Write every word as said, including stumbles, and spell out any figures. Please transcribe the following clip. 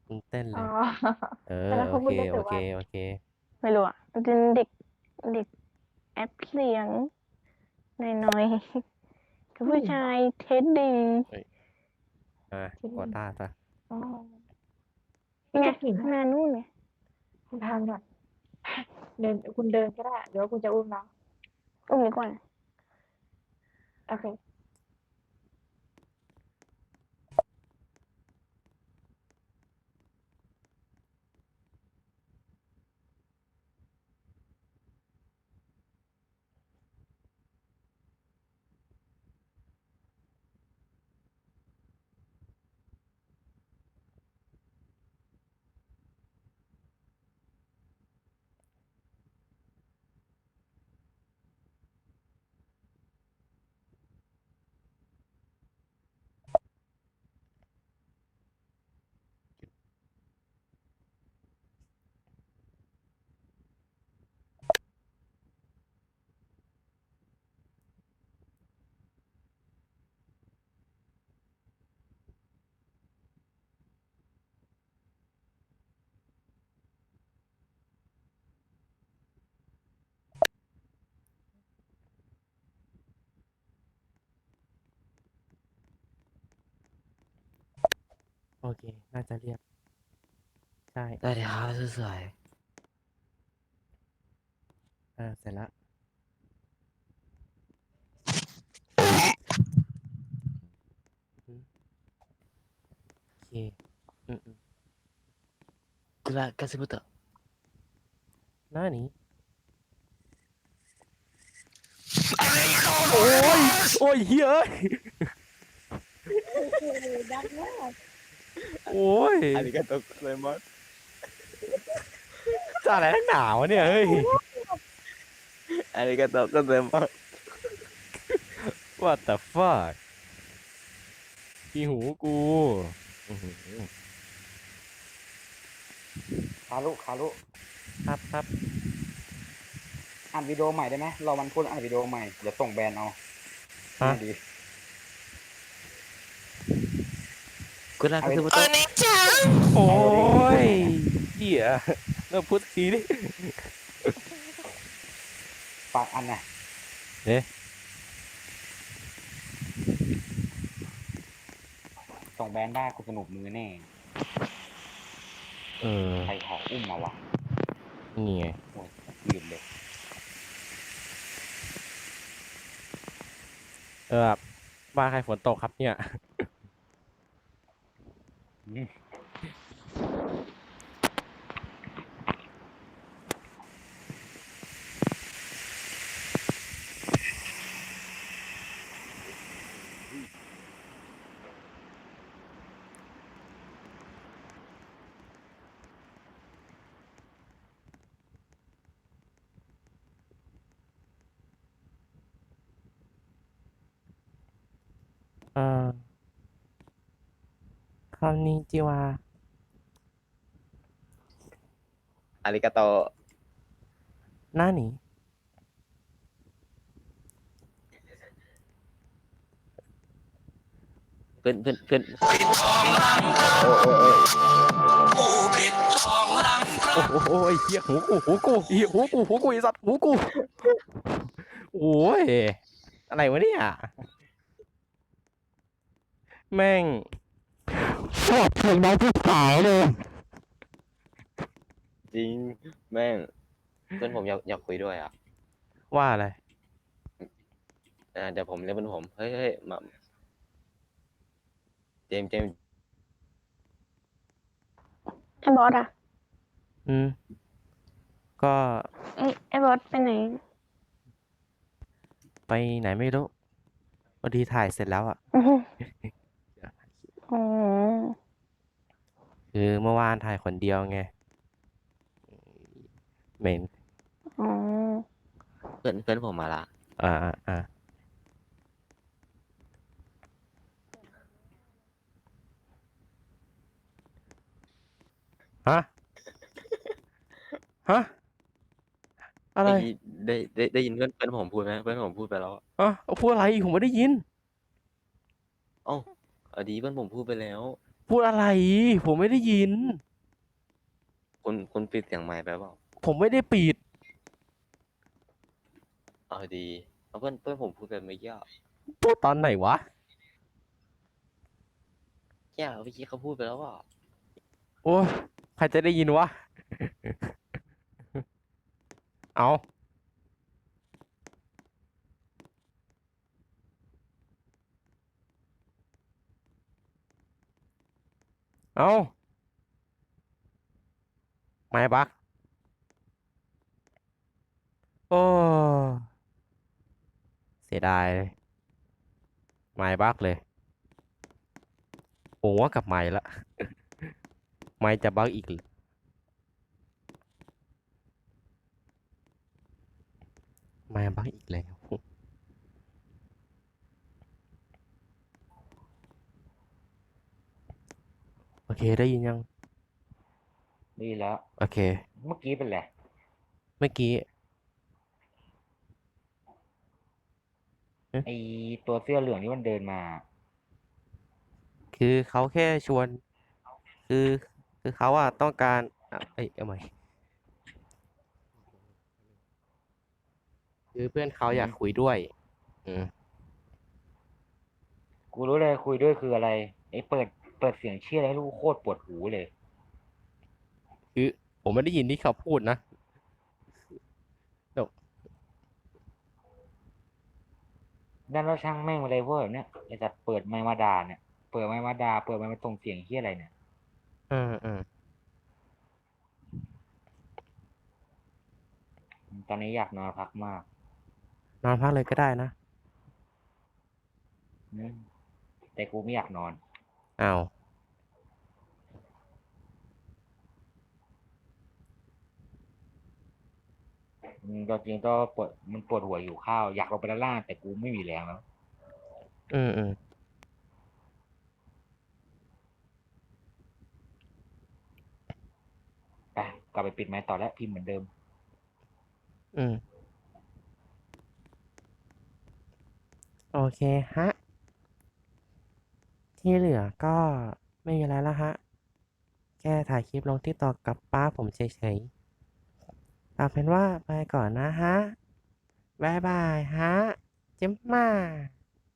มึงเต้นอ๋อเลย เออแต่แล้วเขาโอเคพูดได้โอเคแต่ว่าโอเคไม่รู้อะมันเป็นเด็กเด็กแอปเสียงหน่อยๆกับผู้ชายเท็ดดีเฮ้ยอ่ะกดท่าซะอ๋อนี่ไงข้างหน้านู่นไงคุณทำก่อนเดินคุณเดินก็ได้เดี๋ยวคุณจะอุ้มน้องอุ้มดีกว่าโอเคโอเค น่าจะเรียบ ใช่ได้เลยครับสวยเออ เสร็จแล้วอืมโอเค อืมอืมๆกุลากัสบุตะหน้านี้ โอ้ย โอ้ยเฮ้ยดังมากโอ้ยอาริกาโตะโกไซมัสจะอะไรนักหนาวะเนี่ย เฮ้ยอาริกาโตะโกไซมัส what the fuck ที่หูกูอื้อหือคารุคารุครับครับอัดวิดีโอใหม่ได้ไหมรอวันพุธอัดวิดีโอใหม่ เดี๋ยวส่งแบรนด์เอาฮะง่ายดีกุลากัสบุตะโอ้ยเหี้ยเริ่มพูดทีดิฝากอันน่ะเอ๊ะส่งแบรนด์ได้กูสนุกมือแน่เออใครขออุ้มมาวะนี่ไงโอ้ยลืมเลยเออแบบบ้านใครฝนตกครับเนี่ยอืมเออคำนี้จิวาอาริกาโตะหน้านี้เพื่อนเพื่อนเพื่อนโอ้โอ้โอ้โอ้โหไอ้เหี้ยหูกูหูกูเหี้ยหูกูหูกูไอ้สัตว์หูกูโอ้ยอะไรวะเนี่ยแม่งชอบเพลงน้องผู้ขายเลยจริงแม่งเพื่อนผมอยากอยากคุยด้วยอ่ะว่าอะไรอ่าเดี๋ยวผมเรียกเพื่อนผมเฮ้ยเฮ้ยมาเจมส์เจมส์ไอ้บอสอะอืม ก็ไอ้ไอ้บอสไปไหนไปไหนไม่รู้พอดีถ่ายเสร็จแล้วอ่ะอือหืออ๋อคือเมื่อวานถ่ายคนเดียวไงเหม็นอ๋อเพื่อนเพื่อนผมมาละอ่าอ่าอ่าฮะ ฮะ อะไรเมื่อกี้ได้ได้ได้ยินเพื่อนเพื่อนผมพูดไหมเพื่อนผมพูดไปแล้วอะอ่ะเอาพูดอะไรผมไม่ได้ยินเอ้าเอาดีเพื่อนผมพูดไปแล้วพูดอะไร ผมไม่ได้ยินคุณคุณปิดเสียงไมค์ไปเปล่าผมไม่ได้ปิดเอาดีเอาเพื่อนเพื่อนผมพูดไปเมื่อกี้อะพูดตอนไหนวะแย่เมื่อกี้เขาพูดไปแล้วว่าโอ้ยใครจะได้ยินวะ เอาเอาไม่บักโอ้เสียดายเลยไม่บักเลยผมว่ากับไม่ละ ไม่จะบักอีกเหรอไม่บักอีกแล้ว โอเคได้ยินยังดีแล้วโอเคเมื่อกี้เป็นไรเมื่อกี้ไอตัวเสื้อเหลืองที่มันเดินมาคือเขาแค่ชวน คือ คือเขาอะต้องการอ่ะเอ้ยเอาใหม่คือเพื่อนเขาอยากคุยด้วย อืมกูรู้เลยคุยด้วยคืออะไรไอเปิดเปิดเสียงเชี่ยอะไรให้ลูกโคตรปวดหูเลยคือผมไม่ได้ยินที่เขาพูดนะเดี๋ยวนั่นแล้วช่างแม่งอะไรพวกแบบเนี้ยไอจัดเปิดไมค์มาด่าเนี่ยเปิดไมค์มาด่าเปิดไมค์มาส่งเสียงเชี่ยอะไรเนี่ยอืมอืมตอนนี้อยากนอนพักมากนอนพักเลยก็ได้นะอืมแต่กูไม่อยากนอนอ้าวอืมก็จริงก็ปวดมันปวดหัวอยู่ข้าวอยากลงไปด้านล่างแต่กูไม่มีแรงแล้วอืมอืมไปกลับไปปิดไมค์ต่อแล้วพิมพ์เหมือนเดิมอืม โอเคฮะ ที่เหลือก็ไม่มีอะไรแล้วฮะ แค่ถ่ายคลิปลงที่ต่อกับป้าผมเฉยๆเอาเป็นว่าไปก่อนนะฮะ บ๊ายบายฮะ เจ้มมา